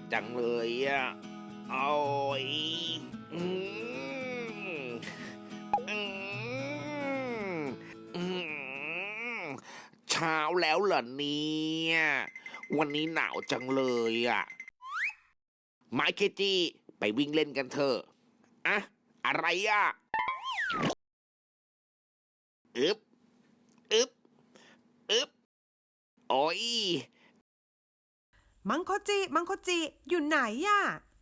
จังเลยอ่ะโอ้ยอืมอืมอืมเช้าแล้วเหรอเนี่ยวันนี้หนาวจังเลยอ่ะไมค์เคจี้ไปวิ่งเล่นกันเถอะอะอะไรอ่ะอึบอึบอึบโอ้ยมังโคจิอยู่ไหนอ่ะ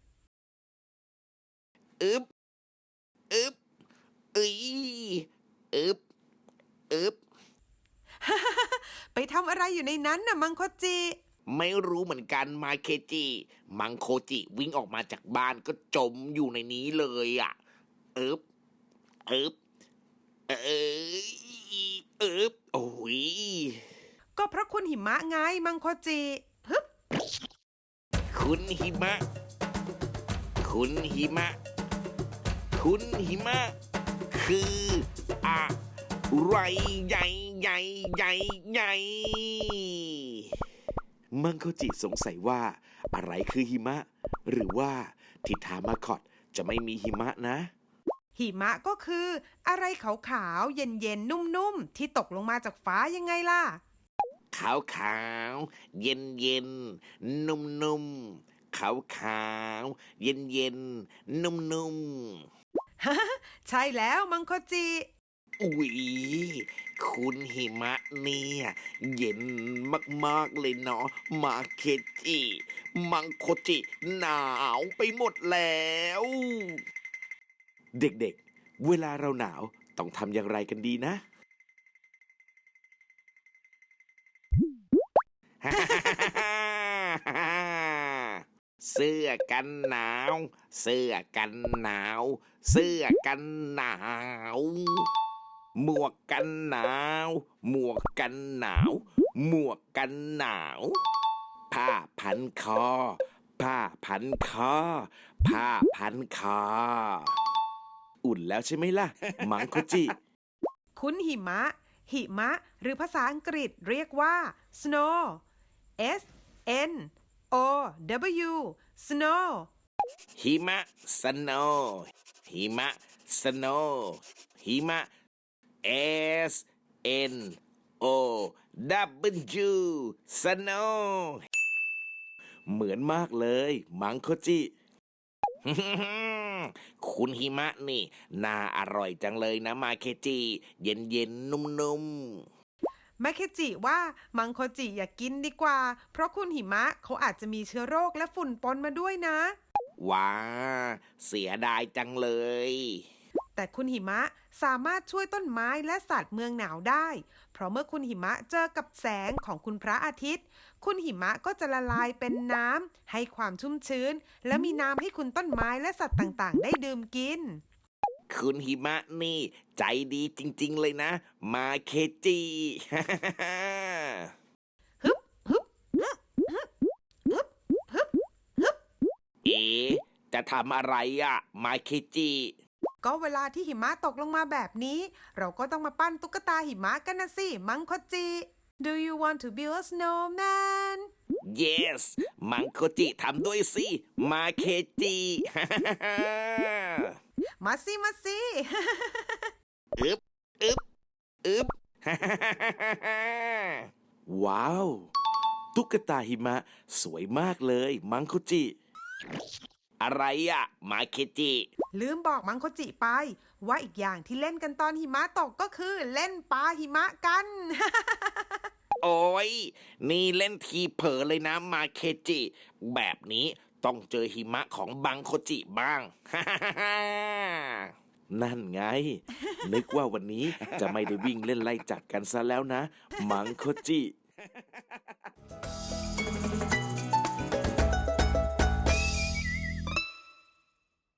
อึบอึบอึยอึบอึบไปทำอะไรอยู่ในนั้นน่ะมังโคจิไม่รู้เหมือนกันมาเคจิมังโคจิวิ่งออกมาจากบ้านก็จมอยู่ในนี้เลยอ่ะเอิบเอิบเอยเอิบโอ้ยก็เพราะคุณหิมะไงมังโคจิฮึบคุณหิมะคุณหิมะคุณหิมะคืออะไรใหญ่ใหญ่ใหญ่ใหญ่มังโคจิสงสัยว่าอะไรคือหิมะหรือว่าทิทามาคอตจะไม่มีหิมะนะหิมะก็คืออะไรขาวๆเย็นๆนุ่มๆที่ตกลงมาจากฟ้ายังไงล่ะขาวขาวเย็นเย็นนุ่มนุ่มขาวขาวเย็นเย็นนุ่มนุ่มใช่แล้วมังโคจิอุ๊ยคุณหิมะเนี่ยเย็นมากๆเลยเนาะมาเคจิมังโคจิหนาวไปหมดแล้ว เด็กๆเวลาเราหนาวต้องทำอย่างไรกันดีนะ เสื้อกันหนาวเสื้อกันหนาวเสื้อกันหนาวหมวกกันหนาวหมวกกันหนาวหมวกกันหนาวผ้าพันคอผ้าพันคอผ้าพันคออุ่นแล้วใช่ไหมล่ะมังโคจิคุณหิมะหรือภาษาอังกฤษเรียกว่า snow S N O W snow หิมะสโนหิมะสโนหิมะ S N O W สโนเหมือนมากเลยมังโคจิ คุณหิมะนี่น่าอร่อยจังเลยนะมาเคจิเย็นเย็นนุ่มแมคเคจิว่ามังโคจิอย่ากกินดีกว่าเพราะคุณหิมะเขาอาจจะมีเชื้อโรคและฝุ่นปนมาด้วยนะๆว้าเสียดายจังเลยแต่คุณหิมะสามารถช่วยต้นไม้และสัตว์เมืองหนาวได้ เพราะเมื่อคุณหิมะเจอกับแสงของคุณพระอาทิตย์ คุณหิมะก็จะละลายเป็นน้ำให้ความชุ่มชื้น และมีน้ำให้คุณต้นไม้และสัตว์ต่างๆ ได้ดื่มกินคุณหิมะนี่ใจดีจริงๆเลยนะ มาเคจิฮึบฮึบฮึบฮึบฮึบฮึบฮึบเอ๋จะทำอะไรอะมาเคจิก็เวลาที่หิมะตกลงมาแบบนี้ เราก็ต้องมาปั้นตุ๊กตาหิมะกันนะสิมังคจิ Do you want to build a snowman yes มังโคจิทำด้วยสิ มาเคจิมาสิอึบอึบอึบ ว้าว ตุ๊กตาหิมะสวยมากเลยมังโคจิ อะไรอะมาเคจิลืมบอกมังโคจิไป ว่าอีกอย่างที่เล่นกันตอนหิมะตกก็คือเล่นปาหิมะกันโอ้ยนี่เล่นทีเผลอเลยนะมาเคจิ แบบนี้ต้องเจอหิมะของบังโคจิบ้าง นั่นไง นึกว่าวันนี้จะไม่ได้วิ่งเล่นไล่จับกันซะแล้วนะ มังโคจิ